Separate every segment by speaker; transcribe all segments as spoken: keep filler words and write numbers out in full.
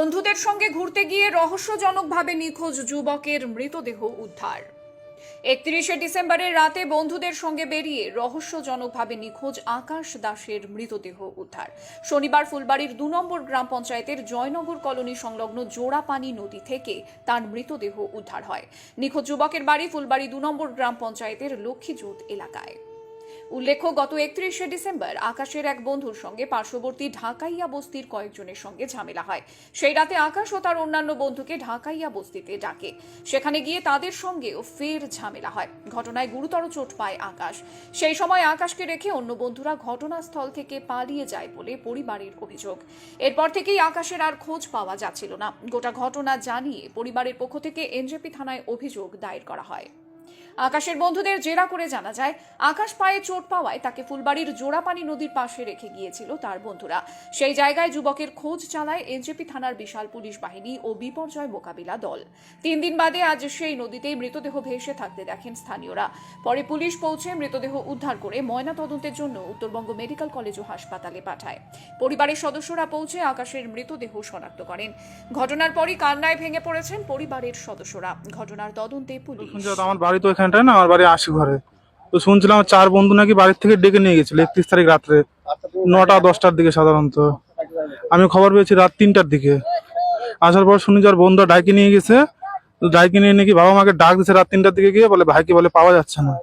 Speaker 1: বন্ধুদের সঙ্গে ঘুরতে গিয়ে রহস্যজনকভাবে নিখোঁজ যুবকের মৃতদেহ উদ্ধার। একত্রিশে ডিসেম্বরের রাতে বন্ধুদের সঙ্গে বেরিয়ে রহস্যজনকভাবে নিখোঁজ আকাশ দাসের মৃতদেহ উদ্ধার। শনিবার ফুলবাড়ির দু নম্বর গ্রাম পঞ্চায়েতের জয়নগর কলোনি সংলগ্ন জোড়াপানি নদী থেকে তার মৃতদেহ উদ্ধার হয়। নিখোঁজ যুবকের বাড়ি ফুলবাড়ি দু নম্বর গ্রাম পঞ্চায়েতের লক্ষ্মীজোত এলাকায়। উল্লেখ্য, গত একত্রিশে ডিসেম্বর আকাশের এক বন্ধুর সঙ্গে পার্শ্ববর্তী ঢাকাইয়া বস্তির কয়েকজনের সঙ্গে ঝামেলা হয়। সেই রাতে আকাশ ও তার অন্যান্য বন্ধুকে ঢাকাইয়া বস্তিতে ডাকে। সেখানে গিয়ে তাদের সঙ্গেও ফের ঝামেলা হয়। ঘটনায় গুরুতর চোট পায় আকাশ। সেই সময় আকাশকে রেখে অন্য বন্ধুরা ঘটনাস্থল থেকে পালিয়ে যায় বলে পরিবারের অভিযোগ। এরপর থেকেই আকাশের আর খোঁজ পাওয়া যাচ্ছিল না। গোটা ঘটনা জানিয়ে পরিবারের পক্ষ থেকে এনজেপি থানায় অভিযোগ দায়ের করা হয়। আকাশের বন্ধুদের জেরা করে জানা যায়, আকাশ পায়ে চোট পাওয়ায় তাকে ফুলবাড়ির জোড়াপানি নদীর পাশে রেখে গিয়েছিল তার বন্ধুরা। সেই জায়গায় যুবকের খোঁজ চালায় এনজেপি থানার বিশাল পুলিশ বাহিনী ও বিপর্যয় মোকাবিলা দল। তিন দিন বাদে আজ সেই নদীতেই মৃতদেহ ভেসে থাকতে দেখেন স্থানীয়রা। পরে পুলিশ পৌঁছে মৃতদেহ উদ্ধার করে ময়নাতদন্তের জন্য উত্তরবঙ্গ মেডিকেল কলেজ ও হাসপাতালে পাঠায়। পরিবারের সদস্যরা পৌঁছে আকাশের মৃতদেহ শনাক্ত করেন। ঘটনার পরই কান্নায় ভেঙে পড়েছেন পরিবারের সদস্যরা। ঘটনার তদন্তে পুলিশ।
Speaker 2: আমার বাড়ি তো এখানটায় না, আমার বাড়ি আশি ঘরে। তো শুনছিলাম চার বন্ধু নাকি বাড়ির থেকে ডেকে নিয়ে গেছিল একত্রিশ তারিখ রাত্রে নটা দশটার দিকে। সাধারণত আমি খবর পেয়েছি রাত তিনটার দিকে। আসার পর শুনি যার বন্ধু ডাইকে নিয়ে গেছে। তো ডাইকে নিয়ে নাকি বাবা মাকে ডাক দিচ্ছে রাত তিনটার দিকে গিয়ে, বলে ভাইকে বলে পাওয়া যাচ্ছে না।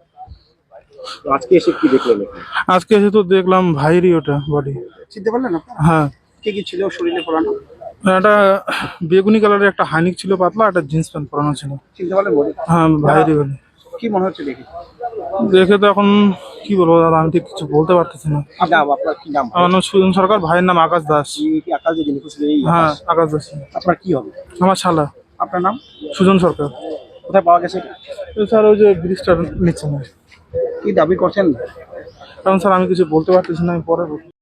Speaker 3: আজকে এসে কি দেখলেন?
Speaker 2: আজকে এসে তো দেখলাম ভাইরই ওটা বডি।
Speaker 3: চিনতে পারলেন আপনারা?
Speaker 2: হ্যাঁ।
Speaker 3: কে কি ছিল শরীরে পরানো?
Speaker 2: একটা বেগুনি কালারের একটা হাইনিক ছিল পাতলা, একটা জিন্স প্যান্ট পরানো ছিল।
Speaker 3: চিনতে পারলেন বডি?
Speaker 2: হ্যাঁ, ভাইরই বলে।
Speaker 3: কি মনে হচ্ছে দেখে?
Speaker 2: দেখে তো এখন কি বলবো দাদা, আমি ঠিক কিছু বলতে পারতেছি না।
Speaker 3: কি নাম আপনার? কি নাম?
Speaker 2: আমার নাম সুজন সরকার, ভাইয়ের নাম আকাশ দাস।
Speaker 3: এই কি আকাশ যে নিখোঁজ এই
Speaker 2: হ্যাঁ,
Speaker 3: আকাশ?
Speaker 2: আকাশ দাস।
Speaker 3: আপনার কি হবে?
Speaker 2: আমার শালা।
Speaker 3: আপনার নাম?
Speaker 2: সুজন সরকার।
Speaker 3: কোথায় পাওয়া গেছে এটা?
Speaker 2: তো স্যার ওই যে ব্রিজটার নিচে না।
Speaker 3: কি দাবি করছেন?
Speaker 2: কারণ স্যার আমি কিছু বলতে পারতেছি না, আমি পরে বলবো।